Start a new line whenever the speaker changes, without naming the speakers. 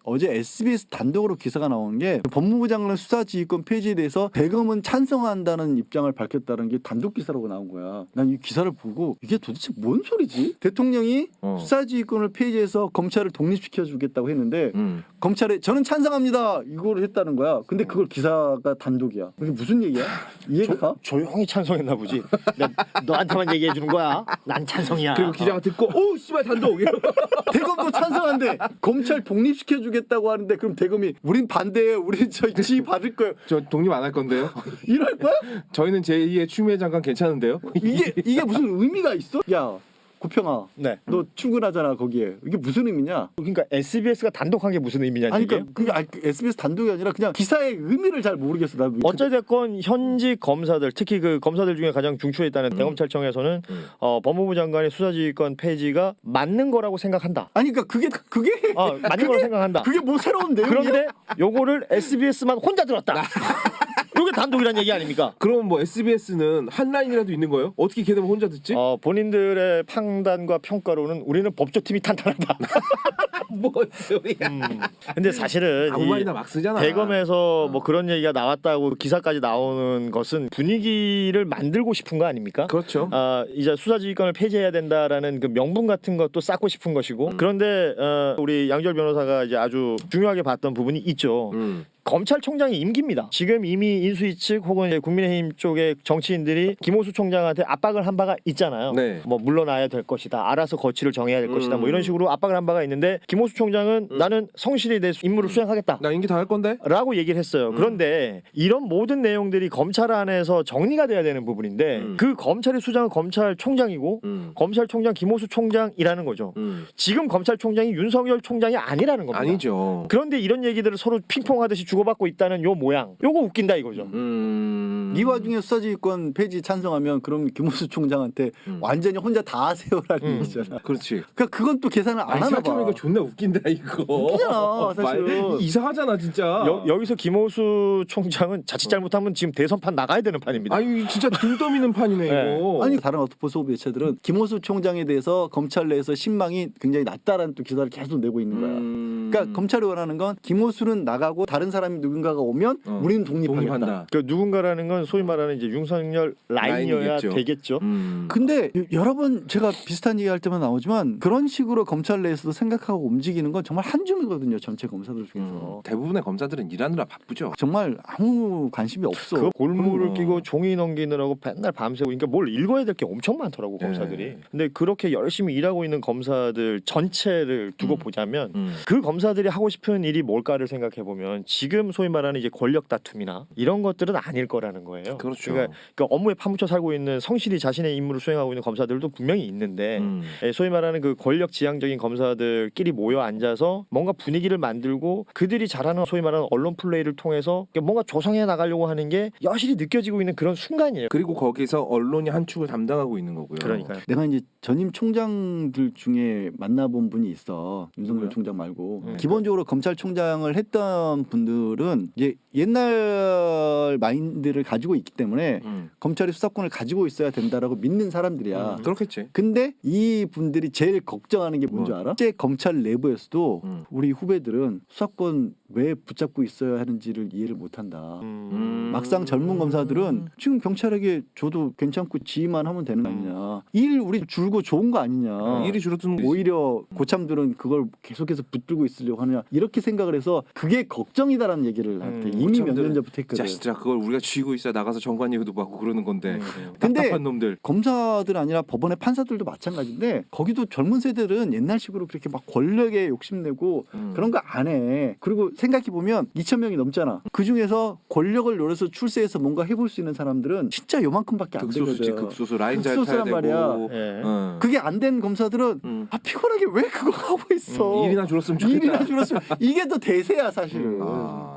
어제 SBS 단독으로 기사가 나온 게 법무부 장관 수사지휘권 폐지에 대해서 대검은 찬성한다는 입장을 밝혔다는 게 단독 기사라고 나온 거야. 난 이 기사를 보고 이게 도대체 뭔 소리지? 대통령이 수사지휘권을 폐지해서 검찰을 독립시켜 주겠다고 했는데 검찰에 저는 찬성합니다 이걸 했다는 거야. 근데 그걸 기사가 단독이야. 이게 무슨 얘기야? 이해가 가?
조용히 찬성했나 보지. 너한테만 얘기해 주는 거야. 난 찬성이야.
그리고 기자가 듣고 오 씨발 단독.
대검도 찬성한데 검찰 독립시켜 주겠다고 하는데 그럼 대검이 우린 반대해. 우린 저 지휘 받을 거예요.
저 독립 안 할 건데요.
이럴 거야?
저희는 제2의 추미애 장관 괜찮은데요.
이게 무슨 의미가 있어? 야 고평아,
네.
너 출근하잖아 거기에. 이게 무슨 의미냐?
그러니까 SBS가 단독한 게 무슨 의미냐는
아니
얘기예요?
그러니까 그게 SBS 단독이 아니라 그냥 기사의 의미를 잘 모르겠어. 나
어찌됐건 현직 검사들, 특히 그 검사들 중에 가장 중추에 있다는 대검찰청에서는 법무부 장관의 수사지휘권 폐지가 맞는 거라고 생각한다.
아니 그러니까 그게
맞는 거라고 생각한다.
그게 뭐 새로운 내용이야?
그런데 요거를 SBS만 혼자 들었다. 요게 단독이란 얘기 아닙니까?
그럼 뭐 SBS는 한 라인이라도 있는 거예요? 어떻게 걔네만 혼자 듣지?
본인들의 판단과 평가로는 우리는 법조팀이 탄탄하다.
뭔 소리야?
근데 사실은
아무 말이나 막 쓰잖아.
대검에서 뭐 그런 얘기가 나왔다고 기사까지 나오는 것은 분위기를 만들고 싶은 거 아닙니까?
그렇죠.
이제 수사지휘권을 폐지해야 된다라는 그 명분 같은 것도 쌓고 싶은 것이고 그런데 우리 양절 변호사가 이제 아주 중요하게 봤던 부분이 있죠. 검찰총장이 임기입니다. 지금 이미 인수위 측 혹은 이제 국민의힘 쪽의 정치인들이 김호수 총장한테 압박을 한 바가 있잖아요.
네.
뭐 물러나야 될 것이다. 알아서 거취를 정해야 될 것이다. 뭐 이런 식으로 압박을 한 바가 있는데 김호수 총장은 나는 성실히 내 임무를 수행하겠다.
나 임기 다 할 건데?
라고 얘기를 했어요. 그런데 이런 모든 내용들이 검찰 안에서 정리가 돼야 되는 부분인데 그 검찰의 수장은 검찰총장이고 검찰총장 김호수 총장이라는 거죠. 지금 검찰총장이 윤석열 총장이 아니라는 겁니다.
아니죠.
그런데 이런 얘기들을 서로 핑퐁하듯이 주고받고 있다는 요 모양. 요거 웃긴다 이거죠.
이 와중에 수사지휘권 폐지 찬성하면 그럼 김호수 총장한테 완전히 혼자 다 하세요라는 얘기잖아.
그렇지.
그러니까 그건 또 계산을 안 하나 봐.
생각해보니까 존나 웃긴다 이거.
웃기잖아, 사실은.
이상하잖아 진짜.
여기서 김호수 총장은 자칫 잘못하면 지금 대선판 나가야 되는 판입니다.
아니 진짜 들떠미는 판이네
네.
이거.
아니 다른 어토포 소비 매체들은 김호수 총장에 대해서 검찰 내에서 신망이 굉장히 낮다라는 또 기사를 계속 내고 있는 거야. 그러니까 검찰이 원하는 건 김호수는 나가고 다른 사람이 누군가가 오면 우리는 독립하겠다.
그 누군가라는 건 소위 말하는 이제 윤석열 라인이어야
라인이겠죠.
되겠죠.
근데 여러 번 제가 비슷한 얘기할 때만 나오지만 그런 식으로 검찰 내에서도 생각하고 움직이는 건 정말 한 줌이거든요. 전체 검사들 중에서.
대부분의 검사들은 일하느라 바쁘죠.
정말 아무 관심이 없어.
그 골무를
그럼.
끼고 종이 넘기느라고 맨날 밤새고 그러니까 뭘 읽어야 될 게 엄청 많더라고 검사들이.
네.
근데 그렇게 열심히 일하고 있는 검사들 전체를 두고 보자면 그 검사들이 하고 싶은 일이 뭘까를 생각해 보면 지금 소위 말하는 이제 권력 다툼이나 이런 것들은 아닐 거라는 거예요.
그렇죠.
그러니까 업무에 파묻혀 살고 있는 성실히 자신의 임무를 수행하고 있는 검사들도 분명히 있는데 소위 말하는 그 권력 지향적인 검사들끼리 모여 앉아서 뭔가 분위기를 만들고 그들이 잘하는 소위 말하는 언론 플레이를 통해서 뭔가 조성해 나가려고 하는 게 여실히 느껴지고 있는 그런 순간이에요.
그리고 거기서 언론이 한 축을 담당하고 있는 거고요.
그러니까요.
내가 이제 전임 총장들 중에 만나본 분이 있어. 윤석열 총장 말고. 기본적으로 검찰총장을 했던 분들은 이제 옛날 마인드를 가지고 있기 때문에 검찰이 수사권을 가지고 있어야 된다라고 믿는 사람들이야.
그렇겠지.
근데 이 분들이 제일 걱정하는 게 뭔지 알아? 실제 검찰 내부에서도 우리 후배들은 수사권 왜 붙잡고 있어야 하는지를 이해를 못한다. 막상 젊은 검사들은 지금 경찰에게 줘도 괜찮고 지휘만 하면 되는 거 아니냐. 일 우리 줄고 좋은 거 아니냐.
일이 줄어드는 거지.
오히려 고참들은 그걸 계속해서 붙들고 있으려고 하느냐. 이렇게 생각을 해서 그게 걱정이다라는 얘기를 한테 이미 몇 년 전부터 했거든.
자식들아 그걸 우리가 쥐고 있어 나가서 정관 예우도 받고 그러는 건데.
근데
답답한 놈들.
검사들 아니라 법원의 판사들도 마찬가지인데 거기도 젊은 세대들은 옛날식으로 그렇게 막 권력에 욕심내고 그런 거 안 해. 그리고 생각해 보면 2,000명이 넘잖아. 그 중에서 권력을 노려서 출세해서 뭔가 해볼 수 있는 사람들은 진짜 요만큼밖에 안 되거든.
극소수지 극소수 라인 잘 타야
극소수란
되고.
말이야.
예.
그게 안 된 검사들은 피곤하게 왜 그거 하고 있어.
일이나 줄었으면 좋겠다.
일이나 줄었으면 이게 더 대세야 사실은.